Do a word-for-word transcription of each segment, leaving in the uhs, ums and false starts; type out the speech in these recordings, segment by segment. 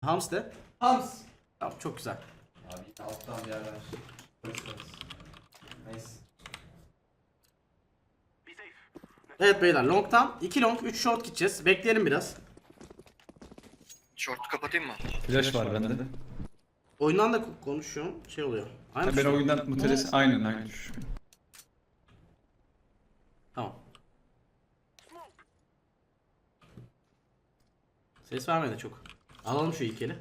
Hams de. Hams. Tamam, çok güzel. Abi yine alttan bir yerler. Nice. Evet beyler, long'tan iki long üç short gideceğiz. Bekleyelim biraz. Short kapatayım mı? Flash var bende. Oyundan da ko- konuşuyorum. Şey oluyor. Aynı Ha, ben şey. oyundan muteles aynen aynı düşüyor. Tamam. Ses vermedi çok. Alalım şu ilk eli.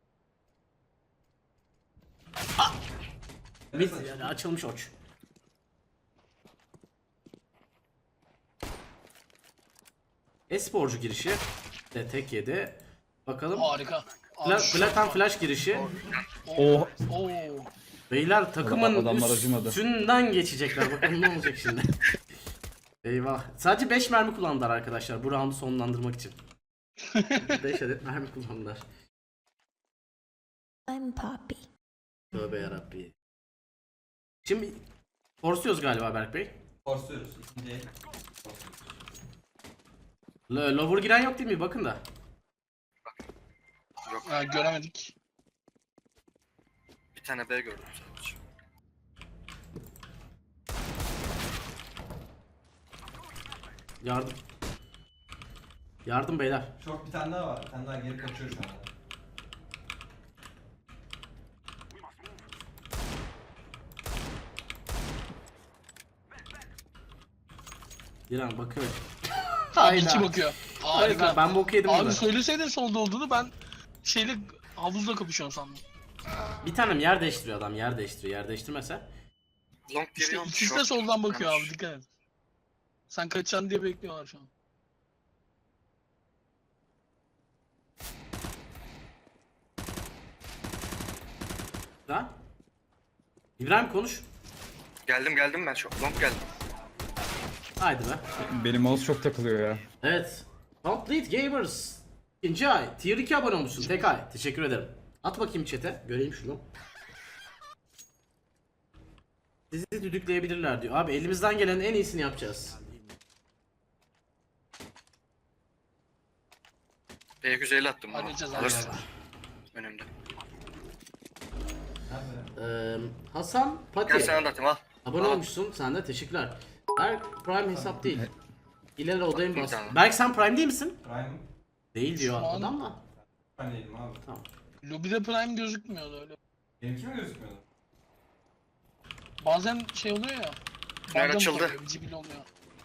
Ah! Mid, yani açılmış oç. Esporcu girişi de tek yedi. Bakalım. Harika. Fla Abi şu- Platan flash girişi. Oh. Oo. Beyler takımın adamlar acımadı. üstünden geçecekler. Bakalım ne olacak şimdi. Eyvah. Sadece beş mermi kullandılar arkadaşlar bu roundu sonlandırmak için. beş adet mermi kullandılar. I'm Poppy. Tövbe yarabbi. Şimdi forsuyoruz galiba Berk Bey. Forsuyoruz. İkinci el. L Lover giren yok değil mi? Bakın da. Yok. Ha, göremedik. Bir tane B gördüm sadece. Yardım. Yardım beyler. Short bir tane daha var. Bir tane daha geri kaçıyor şu anda. Diren bakıyor. Abi Hayda. iki bakıyor. Harika. Harika. Ben bok yedim Abi burada. söyleseydin solda olduğunu ben şeyle havuzla kapışıyorum sandım. Bir tanem yer değiştiriyor adam. Yer değiştiriyor. Yer değiştirmese. Long İşte geliyorum. ikisi de soldan bakıyor abi, dikkat et. Sen kaçacaksın diye bekliyorlar şu an. Ha? İbrahim konuş. Geldim geldim ben şu long geldim. Haydi be. Benim mouse çok takılıyor ya. Evet. Complete Gamers. İkinci ay. Tier iki abone olmuşsun. Tek ay. Teşekkür ederim. At bakayım chat'e. Göreyim şunu. Sizi düdükleyebilirler diyor. Abi elimizden gelenin en iyisini yapacağız. B yüz elli attım bunu. Halledeceğiz abi. Alırsın. Önümde. Nerede? Ee, Hasan Gel Pati. sana da atayım al. Abone Al. olmuşsun. Sen de teşekkürler. Berk Prime hesap değil. İleri odayım Bir bas. tane. Berk sen Prime değil misin? Prime. Değil diyor Şu an- adam da. Ben değilim abi. Lobide prime gözükmüyordu öyle. Benimki mi gözükmüyordu? Bazen şey oluyor ya. Tünel bug'da mı açıldı. oluyor, cibil oluyor.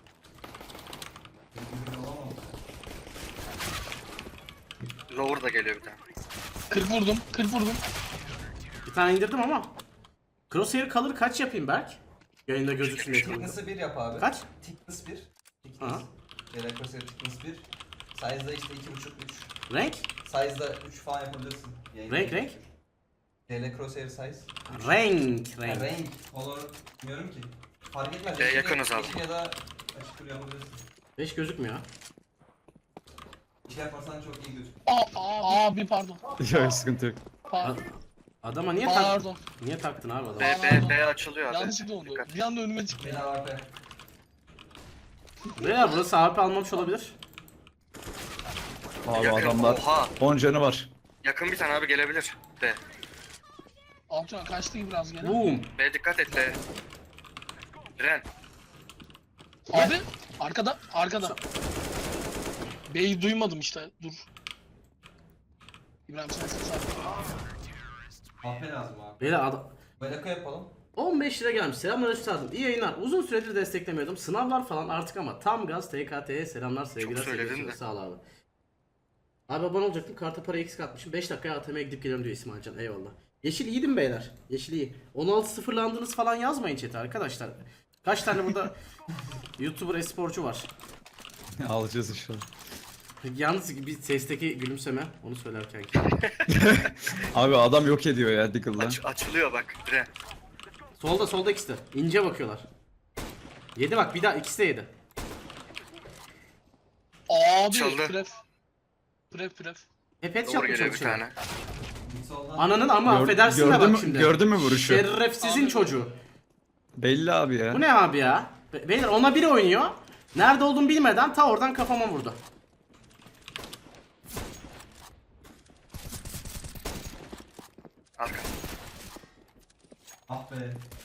Benimki olamadı. Lower da geliyor bir tane. kırk vurdum, kırk vurdum. Bir tane indirdim ama. Crosshair kalır kaç yapayım Berk? Yayında gözüksün diye. Thickness'ı bir yap abi. Kaç? Thickness bir. Aha. Thickness. Yedek crosshair thickness bir. Size'da işte iki buçuk üç. Renk? Size'da üç falan yapabilirsin. Yayında Renk, renk? Yedek crosshair size. Renk, Ha, renk. renk. Color bilmiyorum ki. Fark etmez. E, Yeşil- yakınız abi. yeşil ya da açık kullanabilirsin. beş gözükmüyor. İşler yaparsan çok iyi gözüküyor. Aa, aa, abi pardon. Ya sıkıntı yok. Pardon. Adama niye tak Pardon. niye taktın abi adamı? B, B, B açılıyor abi. Yanlışlıkla oldu. Dikkat. Bir anda önüme çıktı. Beni A W P. Beyler burası A W P almamış olabilir. Abi Yakın. adamlar Oha. on canı var. Yakın bir tane abi gelebilir. B. Altıran kaçtı gibi biraz gene. Boom. B dikkat et B. Ren. Abi arkada, arkada. B'yi duymadım işte. Dur. İbrahim sen ses al. A P lazım abi. Beyler adam Belaka yapalım. on beş lira gelmiş. Selamlar üstadım. İyi yayınlar. Uzun süredir desteklemiyordum. Sınavlar falan artık ama tam gaz T K T'ye selamlar sevgiler. söyledin sevgiler. de. Sağ ol abi. Abi abone olacaktım. Karta para eksik atmışım. beş dakikaya A T M'ye gidip geliyorum diyor İsmail Can. Eyvallah. Yeşil iyiydim beyler. Yeşil iyi. on altı sıfırlandınız falan yazmayın chat'e arkadaşlar. Kaç tane burada YouTuber esporcu var. Alacağız inşallah. Yalnız bir sesteki gülümseme onu söylerken. Abi adam yok ediyor ya Diggle'la. Aç, açılıyor bak. Ren. Solda solda ikisi de. İnce bakıyorlar. Yedi bak bir daha ikisi de yedi. Abi Çaldı. pref. Pref pref. Hep headshot Doğru mı geliyor bir çalışıyor? tane. Mid soldan. Ananın ama Gör- affedersin de gördün bak mü- şimdi. gördün mü vuruşu? Şerefsizin Abi- çocuğu. Belli abi ya. Bu ne abi ya? Be- Beyler ona biri oynuyor. Nerede olduğunu bilmeden ta oradan kafama vurdu. Arka. Ah be.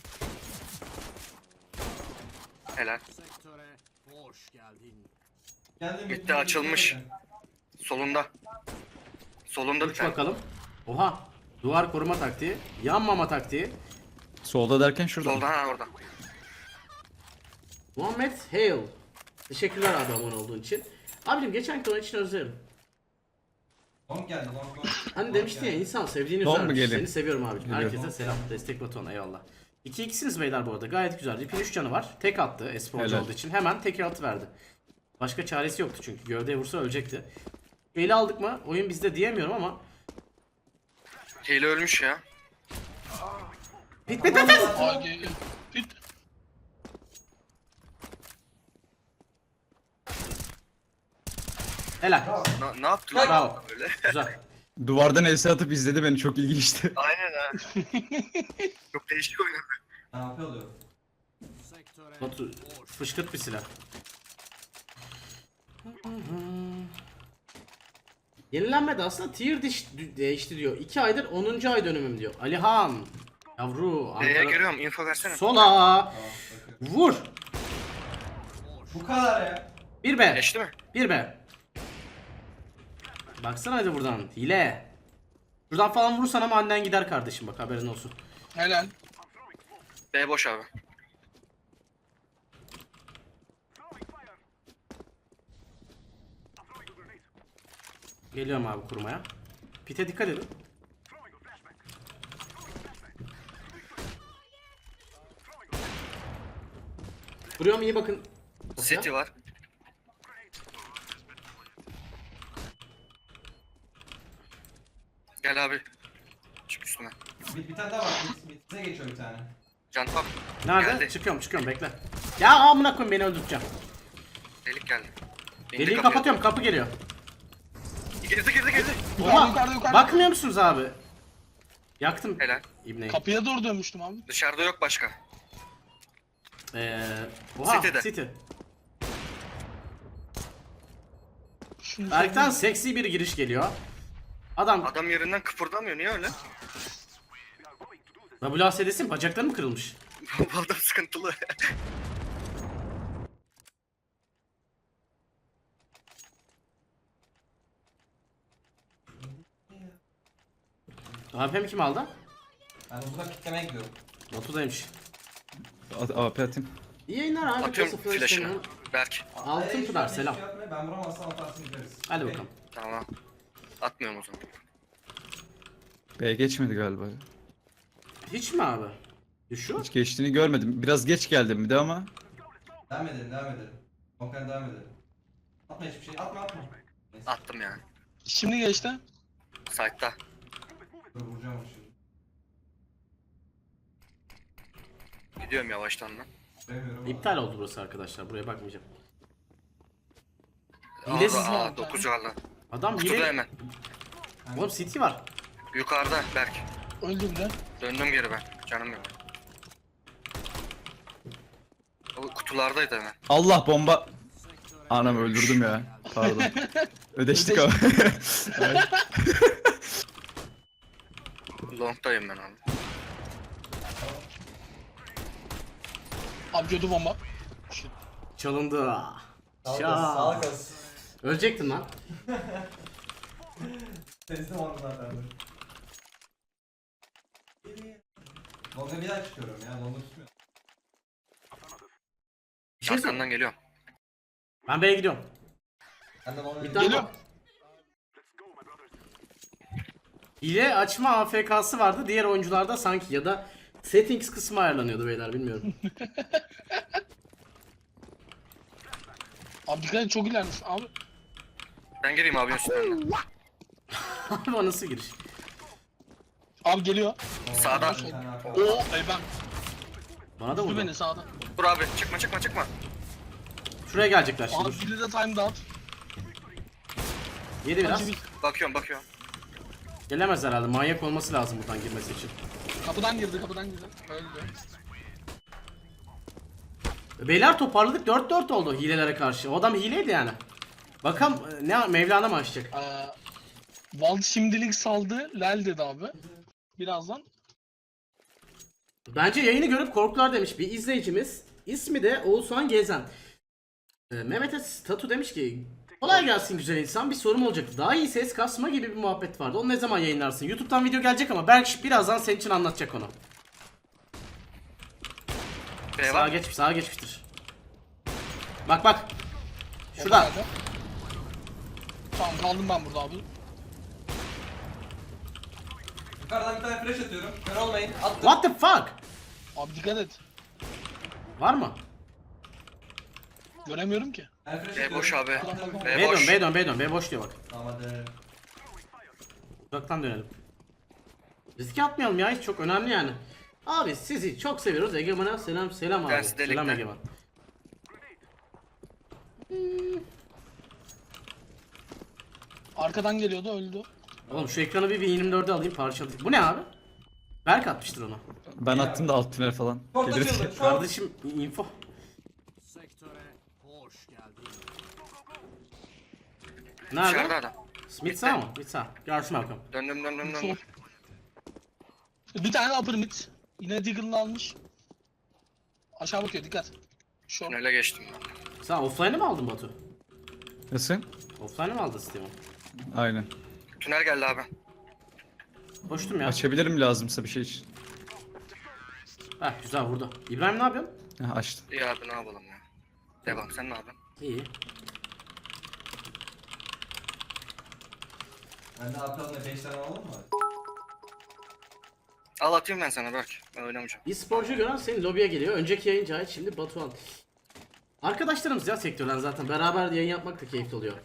Helal. Sektöre hoş geldin. Geldim. Bitti, bitti, açılmış. bitti. Solunda. Solunda bir Uç tane. bakalım. Oha. Duvar koruma taktiği. Yanmama taktiği. Solda derken şurada. Solda ha orada. Muhammed Hale. Teşekkürler abi abone olduğun için. Abicim geçen konu için özlerim. Long geldi long long. Hani Long demiştin ya geldi. insan sevdiğini Long mu üzermiş. geliyor? Seni seviyorum abicim. Geliyor. Herkese selam. Destek butonu eyvallah. iki ikisiniz beyler bu arada. Gayet güzel. Rip'in üç canı var. Tek attı esporcu Helal. olduğu için. Hemen tek altı verdi. Başka çaresi yoktu çünkü. Gövdeye vursa ölecekti. Eli aldık mı? Oyun bizde diyemiyorum ama. Hile ölmüş ya. Pit pit pit pit. Aa geliyor. Pit. Helal. Na, ne yaptılar Bravo. öyle? Güzel. Duvardan elsi atıp izledi beni, çok ilginçti. Aynen ha. Çok değişik oynadı. Ne yapıyor? Batu fışkırt bir silah. Yenilenmedi aslında tier diş, değişti diyor. iki aydır onuncu ay dönümüm diyor. Alihan. Yavru. B'ye Ankara. giriyorum, info versene. Sola. Aa, bakın. Vur. Bu kadar ya. Bir be. Geçti mi? Bir be. Baksana hadi buradan. Hile. Buradan falan vurursan ama annen gider kardeşim bak haberin olsun. Helal. B boş abi. Geliyorum abi kurmaya. Pite dikkat edin. Vuruyorum iyi bakın. City var. Gel abi. Çık üstüne. Bir, bir tane daha var. Bit, bitse geçiyor bir tane. Can top. Nerede? Geldi. Çıkıyorum çıkıyorum bekle. Ya amına koyayım beni öldüreceğim. Delik geldi. İndi Deliği kapıya. kapatıyorum kapı geliyor. Girdi girdi girdi. Yukarıda Oha, yukarıda yukarıda. bakmıyor musunuz abi? Yaktım Helal. İbneyi. Kapıya doğru dönmüştüm abi. Dışarıda yok başka. Ee, oha City'de. City. Şunu Berk'ten seksi bir giriş geliyor. Adam Adam yerinden kıpırdamıyor. Niye öyle? W A S D'sin bacakları mı kırılmış? Bu adam sıkıntılı. A P mi kim aldı? Ben de buradan kitlemeye gidiyorum. Batu'daymış. A P atayım. İyi yayınlar abi. Atıyorum Nasıl flash'ını. flash'ını? Berk. Altın Hayır, Pınar hiç selam. şey yapma, ben vuramazsam atarsın gideriz. Hadi Okey. bakalım. Tamam. Atmıyorum o zaman. B geçmedi galiba. Hiç mi abi? Düşüyor. Hiç geçtiğini görmedim. Biraz geç geldim bir de ama. Devam edelim devam edelim. Long'dan devam edelim. Atma hiçbir şey atma atma. Neyse. Attım yani. Şimdi geçti. Site'da. Dur vuracağım onu şimdi. Gidiyorum yavaştan da. Göremiyorum. İptal oldu burası arkadaşlar. Buraya bakmayacağım. Aa, Hilesiz mi? aa dokuz varla. Adam Kutuda hile... hemen. Oğlum City var. Yukarıda Berk. Öldü bir de. Döndüm geri ben. Canım yok. O kutulardaydı hemen. Allah bomba. Anam öldürdüm ya. Pardon. Ödeştik ama. Long'dayım ben abi. Abi kötü bomba. Çalındı. Sağlık Şaa. olsun sağlık olsun. Ölecektin lan. Teslim oldum zaten. Long'a bir daha çıkıyorum ya. Long'a tutmuyor. Bir şey söyle- Arkandan geliyorum. Ben B'ye gidiyorum. Ben de Long'a Bir tane Geliyor. hile açma A F K'sı vardı. Diğer oyuncularda sanki ya da settings kısmı ayarlanıyordu beyler bilmiyorum. Abi dikkat et çok ilerlemiş. Abi Ben gireyim abinin üstüne. Abi o nasıl giriş? abi geliyor. Sağda. Bir tane arka. Oo ey ben. Bana da Vurdu vurdu. beni sağdan. Dur abi çıkma çıkma çıkma. Şuraya gelecekler şimdi. Abi dur. biri de time dağıt. Yedi biraz. Acı bir. Bakıyorum bakıyorum. Gelemez herhalde. Manyak olması lazım buradan girmesi için. Kapıdan girdi kapıdan girdi. Öldü. Beyler toparladık. dört dört oldu hilelere karşı. O adam hileydi yani. Bakalım ne Mevlana mı açacak? Ee, Val şimdilik saldı. Lel dedi abi. birazdan. Bence yayını görüp korktular demiş bir izleyicimiz. İsmi de Oğuzhan Gezen. Ee, Mehmet'e Tatu demiş ki kolay gelsin güzel insan, bir sorum olacaktı. Daha iyi ses kasma gibi bir muhabbet vardı. Onu ne zaman yayınlarsın? YouTube'dan video gelecek ama Berk birazdan senin için anlatacak onu. B Sağa var. geçmiş, sağa geçmiştir. Bak bak. Şurada. Nerede? Tamam kaldım ben burada abi. Yukarıdan bir tane flash atıyorum. Kör olmayın. Attım. What the fuck? Abi dikkat et. Var mı? Göremiyorum ki. Ben flash B atıyorum. boş abi. Attım. B B dön, boş. B dön, B dön, B boş diyor bak. Tamam hadi. Uzaktan dönelim. Riske atmayalım ya, hiç çok önemli yani. Abi sizi çok seviyoruz. Egemen'e selam selam abi. Dersi delikten. Selam Egemen. Arkadan geliyordu öldü. Oğlum şu ekranı bir yirmi dörde alayım parçalayayım. Bu ne abi? Berk atmıştır onu. Ben attım da alt tünel falan. Short Gelir açıldı. ki. Short. Kardeşim info. Dışarıda Nerede? adam. Smith sağ mı? Smith sağ. Görsün bakalım. Döndüm döndüm döndüm. Short. Bir tane upper mid. Yine Deagle'ını almış. Aşağı bakıyor dikkat. Short. Tünele geçtim. Sen offline'ı mı aldın Batu? Nasıl? Offline'ı mı aldın Steam'i? Aynen. Tünel geldi abi. Koştum ya. Açabilirim lazımsa bir şey için. Heh güzel vurdu. İbrahim ne yapıyorsun? Heh, açtım. İyi abi ne yapalım ya. Devam, sen ne yapıyorsun? İyi. Ben de aptalına beş tane alalım mı? Al atayım ben sana Berk. Ben oynamayacağım. E-sporcu gören senin lobiye geliyor. Önceki yayın Cahit, şimdi Batuhan. Arkadaşlarımız ya sektörden zaten. Beraber yayın yapmak da keyifli oluyor.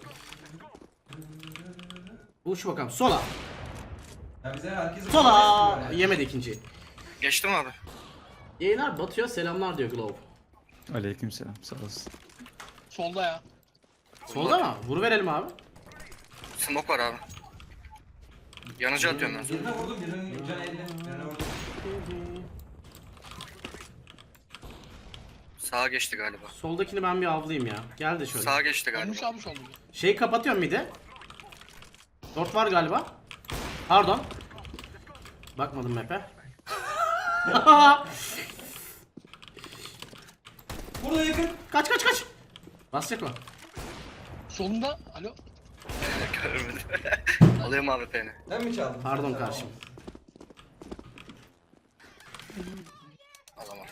Uç bakalım. Sola. Ya bize herkes Sola. Yemedi ikinciyi. Geçtim abi. Yayınlar batıyor. Selamlar diyor Glove. Aleykümselam. Sağ olasın. Solda ya. Solda mı? Vur verelim abi. Smoke var abi. Yanıcı atıyorum ben sana. Birine vurdum, birinin canı elli. Birine vurdum. Sağa geçti galiba. Soldakini ben bir avlayayım ya. Gel de şöyle. Sağa geçti Ölmüş galiba. abi solda. Şeyi kapatıyorum bir de. Dört var galiba. Pardon. Bakmadım map'e. Burada yakın. Kaç kaç kaç. Basacak o. Solunda. Alo. Görmedim. Alıyorum abi peni. Ben mi çaldım? Pardon Sen kardeşim. Alamam.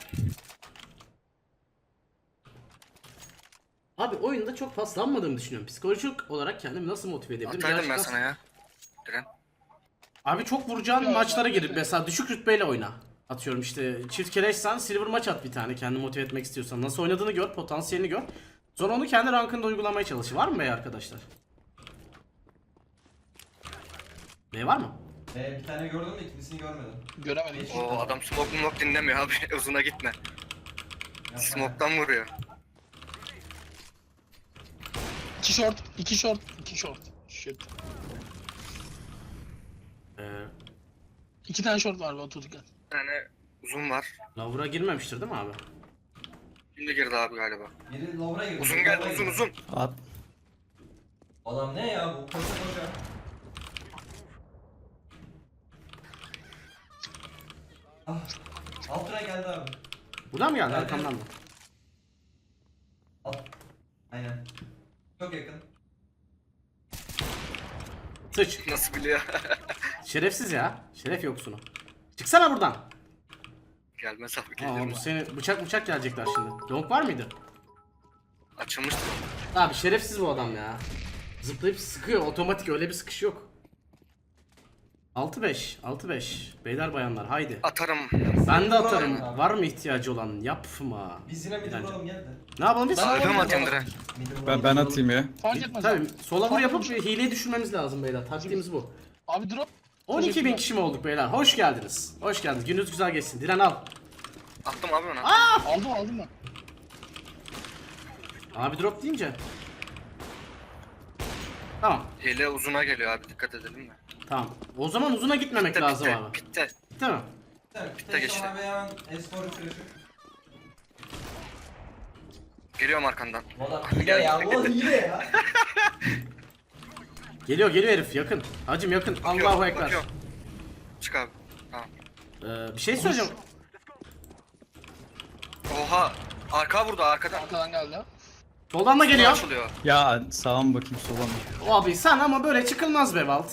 Abi oyunda çok paslanmadığımı düşünüyorum. Psikolojik olarak kendimi nasıl motive edebilirim? Ataydım ben Gerçekten- sana ya. Diren. Abi çok vuracağın maçlara girip mesela düşük rütbeyle oyna. Atıyorum işte çift keleşsen silver maç at bir tane kendini motive etmek istiyorsan. Nasıl oynadığını gör, potansiyelini gör. Sonra onu kendi rankında uygulamaya çalış. Var mı bey arkadaşlar? B var mı? Ee, bir tane gördüm de ikincisini görmedim. Göremedim. O adam smoke smoke dinlemiyor abi. Uzuna gitme. Yapma. Smoke'tan vuruyor. İki short. iki short. iki short. Shit. Ee, İki tane short var Batu dikkat. Bir tane uzun var. Lavura girmemiştir değil mi abi? Şimdi girdi abi galiba. Biri lower'a girdi. Uzun biri geldi lower'a uzun girdi. uzun. At. Adam ne ya bu? Koşa koşa. Ah. Altına geldi abi. Buradan mı geldi Evet, arkamdan mı? Alt. Aynen. Çok yakın. Sıç. Nasıl biliyor? Şerefsiz ya. Şeref yoksunu. Çıksana buradan. Gelmez abi Aa, gelir bu mi? seni bıçak bıçak gelecekler şimdi. Long var mıydı? Açılmıştı. Abi şerefsiz bu adam ya. Zıplayıp sıkıyor. Otomatik öyle bir sıkış yok. altı beş. altı beş. Beyler bayanlar haydi. Atarım. Ben de atarım. Abi. Var mı ihtiyacı olan? Yapma. Biz yine mid Bence. vuralım gel de. Ne yapalım biz? Ben Öyle mi alayım. atayım Diren? Mid vuralım, Ben, mid ben vuralım. atayım ya. Fark etmez Tabii abi. sola vur Fark yapıp etmez. hileyi düşürmemiz lazım beyler. Taktiğimiz bu. Abi drop. on iki bin Teşekkürler. kişi mi olduk beyler? Hoş geldiniz. Hoş geldiniz. Gününüz güzel geçsin. Diren al. Attım abi ona. Aldım aldım ben. Abi drop deyince. Tamam. Hile uzuna geliyor abi dikkat edelim mi? Tamam. O zaman uzuna gitmemek Bitti lazım bitti. abi. Bitti. Değil mi? Evet, Bitti geçti. Abi hemen S-Spor'u kırışık. Geliyorum arkandan. Valla hile ya, bu hile ya. Geliyor geliyor herif yakın. Hacım yakın. Bakıyorum, Allahu ekber. bakıyorum. Çık abi. Ee, bir şey söyleyeceğim. Oha. Arka vurdu arkadan. Arkadan geldi. Soldan da geliyor. Açılıyor. Ya sağa mı bakayım sola mı? Abi sen ama böyle çıkılmaz be Valt.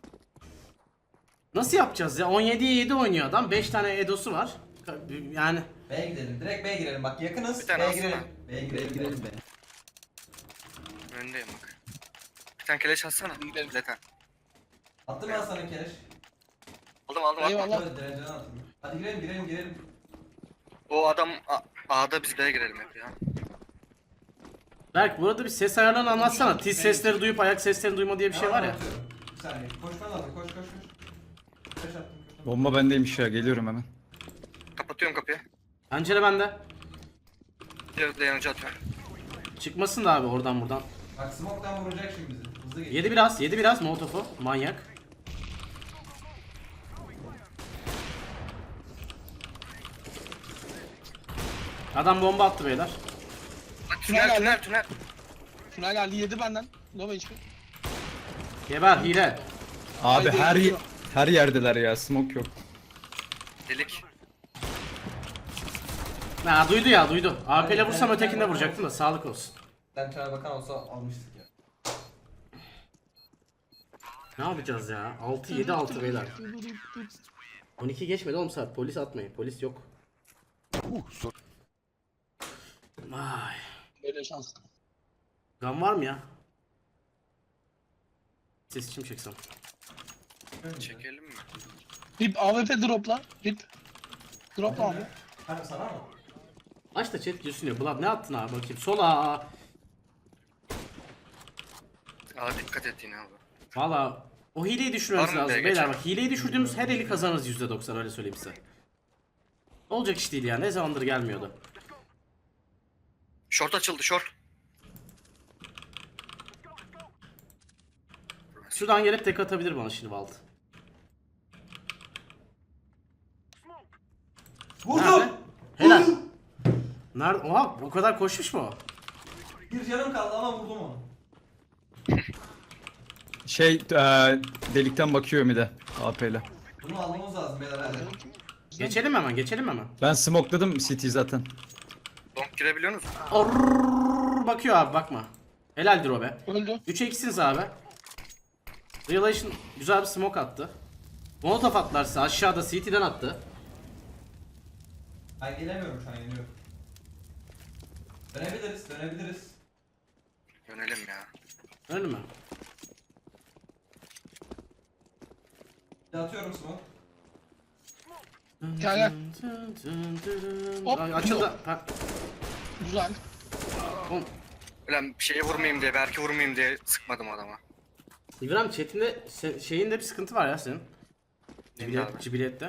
Nasıl yapacağız ya? on yediye yedi oynuyor adam. beş tane Edo'su var. Yani B'ye gidelim. Direkt B'ye girelim. Bak yakınız. Bir tane B'ye alsana. girelim. B'ye girelim. girelim. Önündeyim bak. Bir tane keleş atsana. Gidelim. Zaten. Attım ben sana keleş. Aldım aldım aldım. Eyvallah. Hadi direncene attım. Hadi girelim girelim girelim. O adam A- A'da biz B'ye girelim hep ya. Berk burada bir ses ayarlarını anlatsana. Tiz sesleri duyup ayak seslerini duyma diye bir şey var ya. Atıyorum. Bir saniye. Koşman lazım. Koş koş koş. Koş attım. koş. Bomba bendeymiş ya, geliyorum hemen. Kapatıyorum kapıyı. Pencere bende. Bir de yanıcı atıyorum. Çıkmasın da abi oradan buradan. Bak smoke'tan vuracak şimdi bizi. Hızlı geç. Yedi biraz, yedi biraz Molotov'u. Manyak. Adam bomba attı beyler. Bak, Tünel Tünel geldi. tünel tünel. Tünel geldi yedi benden. Low H P. Geber hile. Abi Haydi, her gidiyor. her yerdeler ya, smoke yok. Delik. Ha duydu ya duydu. A P ile vursam ötekinde vuracaktım da sağlık olsun. Sen Tünel Bakan olsa almıştık ya. Ne yapacağız ya? altı yedi altı beyler. on iki geçmedi oğlum saat. Polis atmayın. Polis yok. Vay. Böyle şans. Gun var mı ya? Ses için mi çeksem? Çekelim mi? Rip A W P dropla. Rip. Dropla abi. Hadi sana mı? Aç da chat gülsün ya. Blood ne attın abi bakayım. Sola. Aa dikkat et yine abi. Valla o hileyi düşürmemiz Var mı lazım. be, Beyler geçen? bak hileyi düşürdüğümüz her eli kazanırız yüzde doksan öyle söyleyeyim size. Olacak iş değil ya. Ne zamandır gelmiyordu. Short açıldı short. Şuradan gelip tek atabilir bana şimdi Valt. Nerede? Vurdum! Helal. Nerede? Oha o kadar koşmuş mu o? Bir canım kaldı ama vurdum onu. Şey e, delikten bakıyor bir de A P ile. Bunu almamız lazım beyler hadi. Geçelim hemen geçelim hemen. Ben smokeladım C T zaten. Donk girebiliyor musun? Orrrr, bakıyor abi bakma. Helaldir o be. Öldü. üçe ikisiniz abi. Revelation güzel bir smoke attı. Molotov attılar size aşağıda C T'den attı. Ben gelemiyorum şu an yeniyorum. Dönebiliriz dönebiliriz. Yönelim ya. Öyle mi? Bir de atıyorum smoke. Gel gel. Hop. Ay, açıldı. Ha, Güzel. oğlum, Ulan şeye vurmayayım diye, belki vurmayayım diye sıkmadım adama. İbrahim chatinde se- şeyinde bir sıkıntı var ya senin. Neydi Cibiliyet, abi? cibiliyette.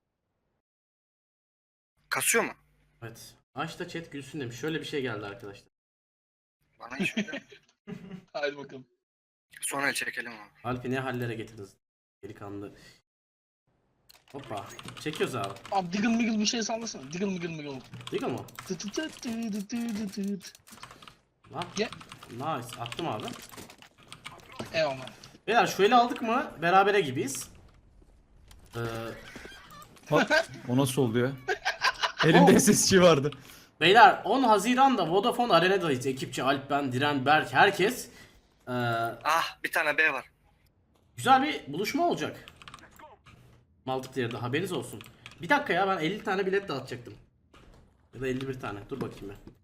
Kasıyor mu? Evet. Aç da chat gülsün demiş. Şöyle bir şey geldi arkadaşlar. Bana hiç öyle. Haydi bakalım. Sonra el çekelim abi. Alp'i ne hallere getirdiniz? Delikanlı. Hoppa. Çekiyoruz abi. Abi diggle miggle bir şey sallasana. Diggle miggle miggle. Değil mi? Tı tı tı tı tı tı tı tı. Lan. Ye. Nice. Attım abi. Eyvallah. Beyler şu eli aldık mı berabere gibiyiz. Ee, Bak o nasıl oldu ya? Elimde S S G vardı. beyler on Haziran'da Vodafone Arena'dayız. Ekipçi Alp, ben, Diren, Berk, herkes. Ee, Ah bir tane B var. güzel bir buluşma olacak. Multiplayer'da haberiniz olsun. Bir dakika ya ben elli tane bilet dağıtacaktım. Ya da elli bir tane. Dur bakayım ben.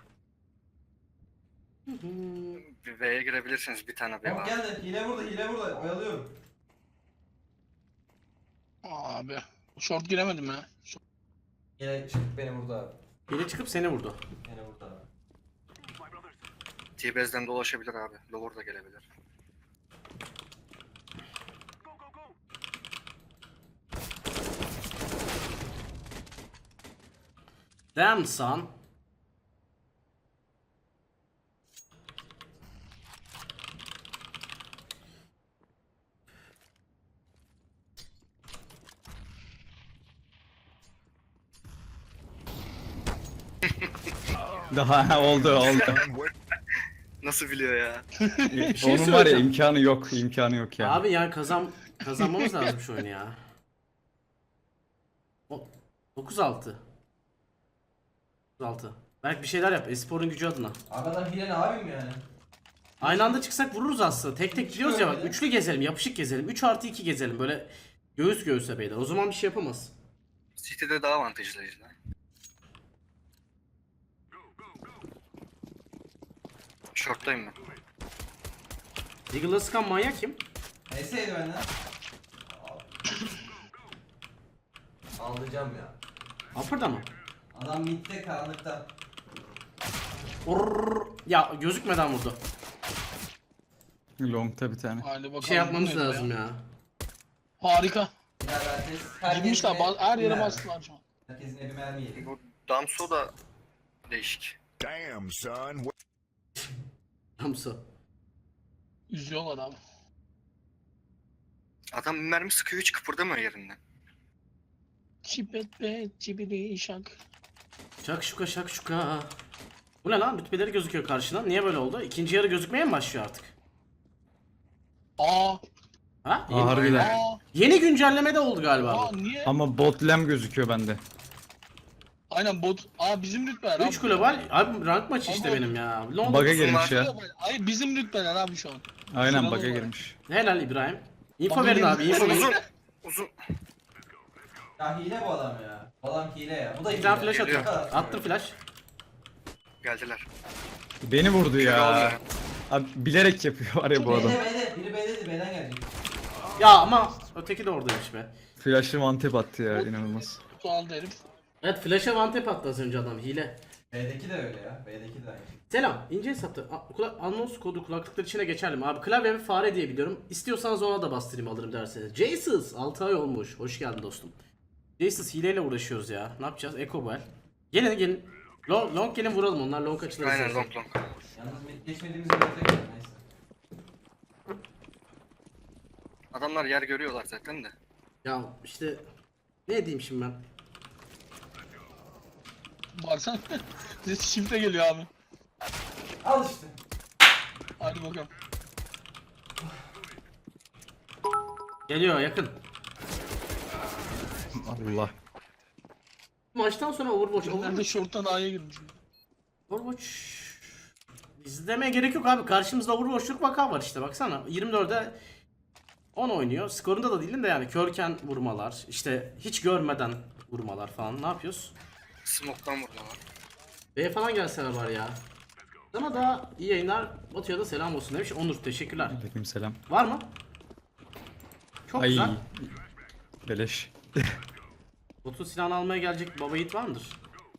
Bir B'ye girebilirsiniz, bir tane B Hop var. geldi hile burada hile burada oyalıyorum. Abi. Short giremedim ya. Short. Yine çıkıp beni vurdu abi. Biri çıkıp seni vurdu. Yine vurdu abi. T-Base'den dolaşabilir abi. Lower da gelebilir. Damn son. Daha oldu oldu. Nasıl biliyor ya? şey Onun var ya, söyleyeceğim. imkanı yok, imkanı yok ya. Abi yani kazan kazanmamız lazım şu oyunu ya. O- dokuz altı. dokuz altı. Belki bir şeyler yap. Espor'un gücü adına. Abi adam hile ne abim yani? Aynı anda çıksak vururuz aslında. Tek tek gidiyoruz ya bak. Üçlü gezelim, yapışık gezelim. üç artı iki gezelim. Böyle göğüs göğüse beyler. O zaman bir şey yapamaz. City'de daha avantajlıyız lan. Short'tayım ben. Deagle'la sıkan manyak kim? Neyseydi benden? Alacağım ya. Upper'da mı? Adam midde karanlıkta. Orrrr. Ya gözükmeden vurdu. Long'ta bir tane. Hadi bakalım. Bir şey yapmamız bu nedir lazım ya. Harika. Bilal herkes. herkes Girmişler. bir- ba- Her yere Bilal. bastılar şu an. Herkesin evi mermi yedi. Bu Damso da değişik. Damn, son. Hamsa. Üzüyorlar abi. Adam bir mermi sıkıyor hiç kıpırdamıyor yerinden. Çipet be, çibili şak. Şakşuka şakşuka. Bu ne lan? Rütbeleri gözüküyor karşına. Niye böyle oldu? İkinci yarı gözükmeye mi başlıyor artık? Aa, Ha? Aa, Yeni, harbiden. aa, yeni güncelleme de oldu galiba. aa bu. niye? Ama bot lem gözüküyor bende. Aynen bot. Aa bizim rütbeler abi. üç global. Abi rank maçı işte Ama- benim ya. Ne oldu? Bug'a uzun girmiş var. ya. Hayır bizim rütbeler abi şu an. Aynen Sıralı bug'a olarak. girmiş. Helal İbrahim. Info Bug'a verin girmiş. abi. Info Uzun verin. uzun. Uzun. Ya hile bu adam ya. Bu adam hile ya. Bu da Bir hile. tane flash Geliyor. atıyorum. Attım flash. Geldiler. Beni vurdu Kilo ya. alıyor. Abi bilerek yapıyor var ya bu adam. B'de B'de. Biri B'deydi. B'den gelecek. Ya ama öteki de oradaymış be. Flash'ı one tap attı ya inanılmaz. Kutu aldı herif. Evet flash'a one tap attı az önce adam. Hile. B'deki de öyle ya. B'deki de aynı. Selam. İnce hesapta. A- Kula anons kodu kulaklıklar içine geçerli mi? Abi klavye ve fare diye biliyorum. İstiyorsanız ona da bastırayım alırım derseniz. Jesus altı ay olmuş. Hoş geldin dostum. Jesus hileyle uğraşıyoruz ya. Ne yapacağız? Eko bu el. Gelin gelin. Long, long gelin vuralım. Onlar long açılır. Aynen istersen. long long. Yalnız mid geçmediğimiz yerde neyse. Adamlar yer görüyorlar zaten de. Ya işte ne diyeyim şimdi ben? Baksana. Size shift'e geliyor abi. Al işte. Hadi bakalım. Geliyor yakın. Allah. Maçtan sonra Overwatch. Nerede Overwatch. short'tan A'ya girmiş. Overwatch. İzlemeye gerek yok abi. Karşımızda Overwatch'luk vaka var işte baksana. yirmi dörde on oynuyor. Skorunda da değilim de yani körken vurmalar, işte hiç görmeden vurmalar falan. Ne yapıyoruz? Smoke'tan vurdular. B'ye falan gelseler var ya. Sana da iyi yayınlar. Batu'ya da selam olsun demiş. Onur teşekkürler. Aleykümselam. Var mı? Çok Ay. güzel. Beleş. Batu silahını almaya gelecek baba yiğit var mıdır?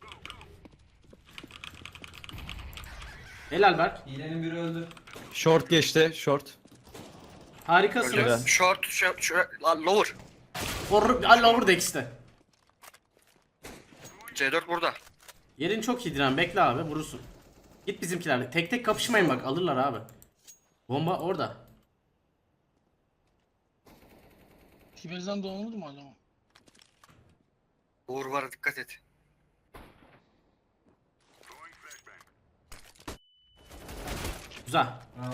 Helal Berk. Hilenin biri öldü. Short geçti. Short. Öyle. Harikasınız. Short, short, short, la- lower. Or Allah over Dex'te. C dört burada. Yerin çok iyi Diren. Bekle abi vurursun. Git bizimkilerle. Tek tek kapışmayın bak alırlar abi. Bomba orada. Tivezden doğmadı mı acaba? Uğur var dikkat et. Güzel. Bravo.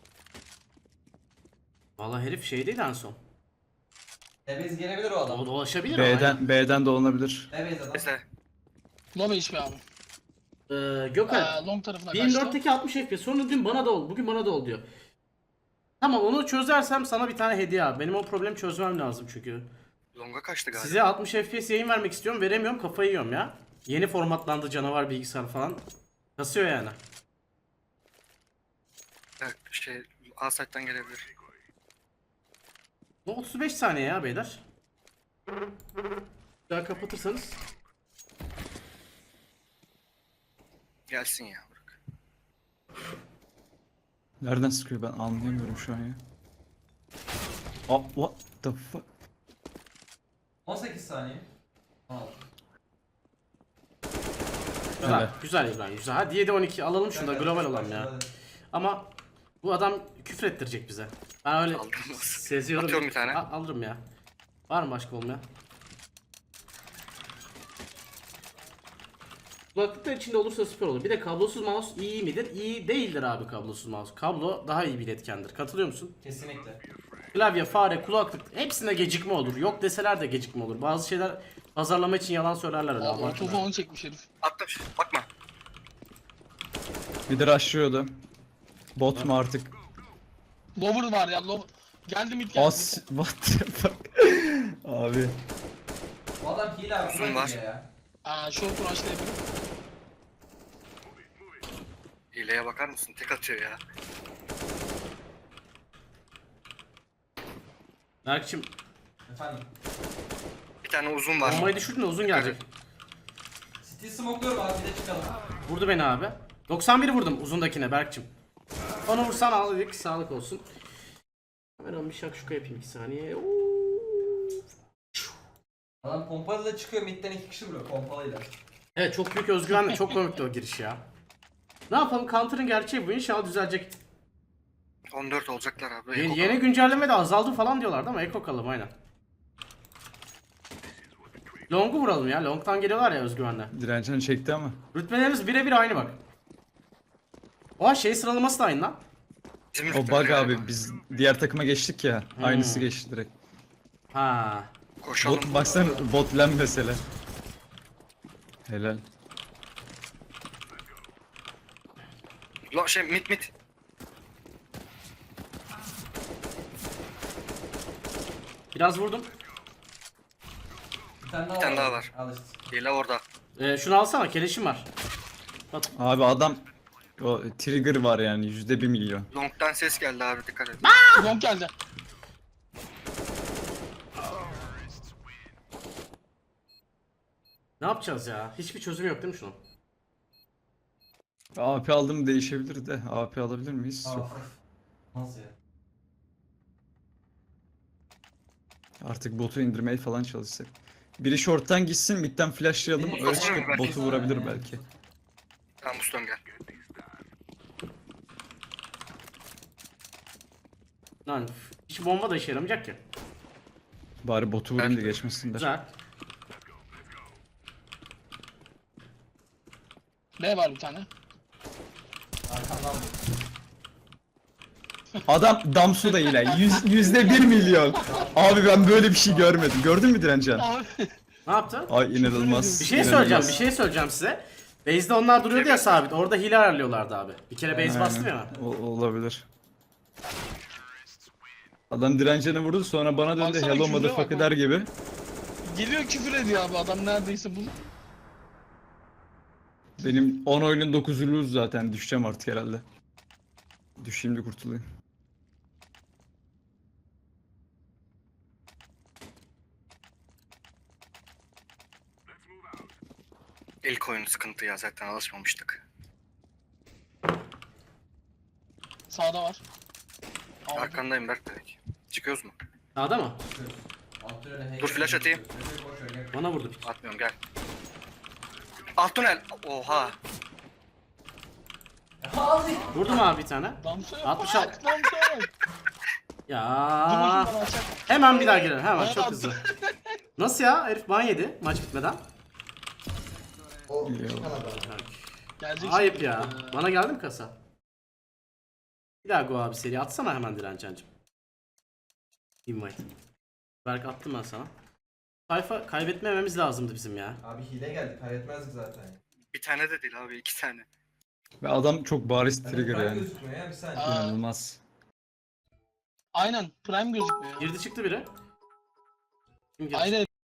Vallahi herif şeydeydi en son. Tebez gelebilir o adam. O dolaşabilir ama. B'den B'den dolanabilir. Tebez adam. Mesela Low H P abi. Ee, Gökhan. Ee, long tarafına yirmi kaçtı. dörtteki altmış F P S. Sonra dün bana da ol. Bugün bana da ol diyor. Tamam onu çözersem sana bir tane hediye abi. Benim o problemi çözmem lazım çünkü. longa kaçtı galiba. Size altmış F P S yayın vermek istiyorum. Veremiyorum. Kafayı yiyorum ya. Yeni formatlandı canavar bilgisayar falan. Kasıyor yani. Evet, şey A site'den gelebilir. Bu otuz beş saniye ya beyler. Daha kapatırsanız. Gelsin ya. Bırak. Nereden sıkıyor ben anlayamıyorum şu an ya. Oh, what the fuck? on sekiz saniye. on altı. Güzel. Evet. Güzel İbrahim. Güzel. Hadi yedi on iki alalım şunu da global olan ya. Ama bu adam küfür ettirecek bize. Ben öyle Aldırmaz. seziyorum. Atıyorum bir tane. Al- alırım ya. Var mı başka olmayan? Kulaklıklar içinde olursa süper olur. Bir de kablosuz mouse iyi midir? İyi değildir abi kablosuz mouse. Kablo daha iyi bir iletkendir. Katılıyor musun? Kesinlikle. Klavye, fare, kulaklık hepsinde gecikme olur. Yok deseler de gecikme olur. Bazı şeyler pazarlama için yalan söylerler öyle. Aa, abartma. Molotof'u onu çekmiş herif. Attım. Bakma. Bir de rushlıyordu. Bot mu artık? Lover var ya, lover. Geldi mid geldi. As what the fuck? Abi. Bu adam hile abi. Uzun bırak var. hile ya. Aa, short rush'la yapıyor. Hileye bakar mısın? Tek atıyor ya. Berkçim Efendim. Bir tane uzun var. bombayı düşürdün de uzun gelecek. City smoke'luyorum abi bir de çıkalım. Vurdu beni abi. doksan bir vurdum uzundakine Berkçim. Onu vursan aldık, sağlık olsun. Hemen bir şakşuka yapayım iki saniye. Adam pompalıyla çıkıyor midden iki kişi vuruyor pompalıyla. Evet çok büyük özgüvenle çok komikti o giriş ya. Ne yapalım, Counter'ın gerçeği bu, inşallah düzelecek. on dört olacaklar abi. Yeni, Eko yeni kaldı. güncelleme de azaldı falan diyorlardı ama Eko kalalım aynen. Long'u vuralım ya, Long'tan geliyorlar ya özgüvenle. Direncini çekti ama. Rütbelerimiz birebir aynı bak. Oha şey sıralaması da aynı lan. Bizim O rütbeler bug galiba. abi, biz diğer takıma geçtik ya. Hmm. Aynısı geçti direkt. Ha. Koşalım. Bot, baksana bot lan mesela. Helal. Lo şey mit mit. Biraz vurdum. Bir tane daha Bir tane var. daha var. Al işte. Hile orada. Ee, şunu alsana, keleşim var. Bak. Abi adam o trigger var yani yüzde bir milyon. Long'dan ses geldi abi, dikkat et. Long geldi. Ne yapacağız ya? Hiçbir çözüm yok değil mi şunun? A P aldım değişebilir de. A P alabilir miyiz? Aa, Yok. nasıl ya? Artık botu indirmeye falan çalışsak. Biri short'tan gitsin, midden flashlayalım. Biri Öyle short'tan çıkıp belki. botu vurabilir belki. Tamam Muston gel. Lan hiç bomba da işe yaramayacak ki. Bari botu vurayım da Evet. geçmesinler. Güzel. B var bir tane. Arkamdan vur. Adam Damsu da yine. Yüz, yüzde bir milyon. Abi ben böyle bir şey görmedim. Gördün mü Direncan? Abi. Ne yaptı? Ay inanılmaz. Bir şey inanılmaz. söyleyeceğim, bir şey söyleyeceğim size. Base'de onlar duruyordu ya sabit. Orada hile ayarlıyorlardı abi. Bir kere base Aynen. bastım ya. O- olabilir. Adam Direncan'ı vurdu, sonra bana döndü Baksana, hello küfre motherfucker bak der gibi. Geliyor küfür ediyor abi adam neredeyse bunu. Benim on oyunun dokuzu lose zaten, düşeceğim artık herhalde. Düşeyim de kurtulayım. İlk oyun sıkıntı ya, zaten alışmamıştık. Sağda var. Aldım. Arkandayım Berk direkt. Çıkıyoruz mu? Sağda mı? Alt tünele hey- Dur, flash atayım. Boş ver, gel. Bana vurdu. Atmıyorum, gel. Alt tünel. Oha. Al. Vurdum abi bir tane. Damsa yok. altmış Bak, altı. Damsa yok. Dur Ya. bakayım bana açar. Hemen bir daha girelim. Hemen Bana çok attı. hızlı. Nasıl ya? Herif ban yedi maç bitmeden. O İyi çıkan adam. Gelecek Ayıp şimdi. ya. Ee, Bana geldi mi kasa? Bir daha go abi seri atsana hemen Direncancım. Invite. Berk attım ben sana. Sayfa kaybetmememiz lazımdı bizim ya. Abi hile geldi kaybetmezdik zaten. Bir tane de değil abi, iki tane. Ve adam çok bariz Yani trigger ben yani. gözükmüyor ya bir saniye. Aa. İnanılmaz. Aynen. Prime gözükmüyor. Girdi çıktı biri. Kim girdi? Aynen.